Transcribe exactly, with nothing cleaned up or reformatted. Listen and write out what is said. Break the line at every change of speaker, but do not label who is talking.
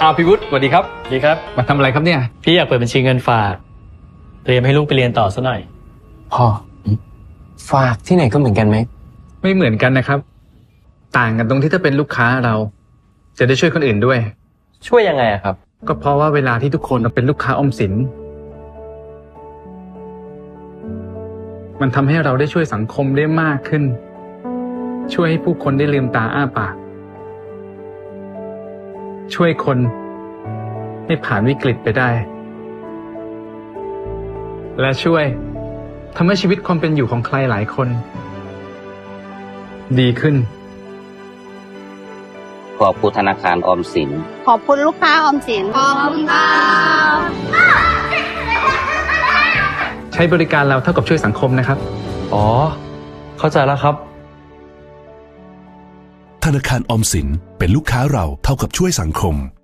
อ้าวพี่วุฒิสวัสดีครับ
ดีครับ
มาทำอะไรครับเนี่ย
พี่อยากเปิดบัญชีเงินฝากเตรียมให้ลูกไปเรียนต่อซะหน่อย
พ่อฝากที่ไหนก็เหมือนกันไหม
ไม่เหมือนกันนะครับต่างกันตรงที่ถ้าเป็นลูกค้าเราจะได้ช่วยคนอื่นด้วย
ช่วยยังไงอะครับ
ก็เพราะว่าเวลาที่ทุกคนเป็นลูกค้าออมสินมันทำให้เราได้ช่วยสังคมได้มากขึ้นช่วยให้ผู้คนได้ลืมตาอ้าปากช่วยคนให้ผ่านวิกฤตไปได้และช่วยทำให้ชีวิตความเป็นอยู่ของใครหลายคนดีขึ้น
ขอบคุณธนาคารออมสิน
ขอบคุณลูกค้าออมสินขอบคุณค่ะ
ใช้บริการเราเท่ากับช่วยสังคมนะครับ
อ๋อเข้าใจแล้วครับ
ธนาคารออมสินเป็นลูกค้าเราเท่ากับช่วยสังคม